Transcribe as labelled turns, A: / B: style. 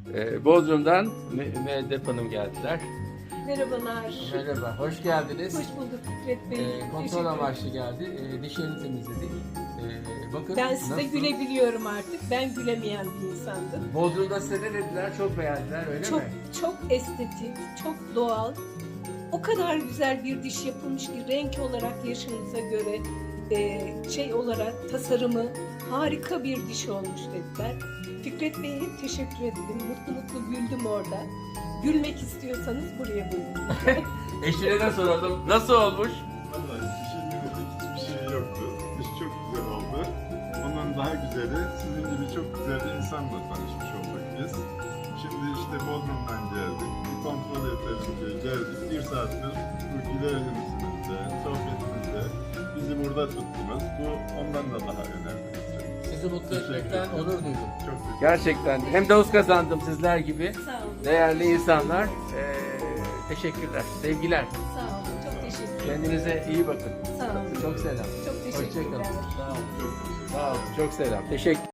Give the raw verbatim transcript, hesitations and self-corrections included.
A: Ee, Bodrum'dan Mü- Müeddep Hanım geldiler.
B: Merhabalar.
A: Merhaba, hoş geldiniz.
B: Hoş bulduk Fikret Bey.
A: Ee, kontrol
B: Teşekkür
A: amaçlı geldi. Ee, dişlerini temizledik. Ee, bakın
B: Ben size
A: nasıl?
B: gülebiliyorum artık. Ben gülemeyen bir insandım.
A: Bodrum'da size ne dediler? Çok beğendiler, öyle
B: Çok
A: mi?
B: çok estetik, çok doğal. O kadar güzel bir diş yapılmış ki renk olarak yaşınıza göre e, şey olarak tasarımı harika bir diş olmuş dediler. Fikret Bey'e hep teşekkür ettim. Mutlu mutlu güldüm orada. Gülmek istiyorsanız buraya buyurun.
A: Eşine de soralım. Nasıl olmuş?
C: Vallahi dişin yönelik hiçbir şey yoktu. Diş çok güzel oldu. Ondan daha güzeli, sizin gibi çok güzel bir insanla tanışmış olduk biz. Şimdi işte Bodrum'dan geldik. Bir kontrol yeterince geldik. Bir saattir bu gülerimizde, sohbetimizde bizi burada tuttunuz. Bu ondan da daha önemli.
A: Sizi mutlu
C: Teşekkür
A: etmekten
C: ederim.
A: onur duydum.
C: Çok teşekkür
A: Gerçekten. Hem dost kazandım sizler gibi.
B: Sağ olun.
A: Değerli insanlar. Ee, teşekkürler. Sevgiler.
B: Sağ olun. Çok teşekkür ederim.
A: Kendinize iyi bakın.
B: Sağ olun.
A: Çok selam.
B: Çok teşekkürler.
A: Hoşçakalın. Sağ olun.
C: Çok teşekkür ederim.
A: Sağ olun. Çok selam. Teşekkür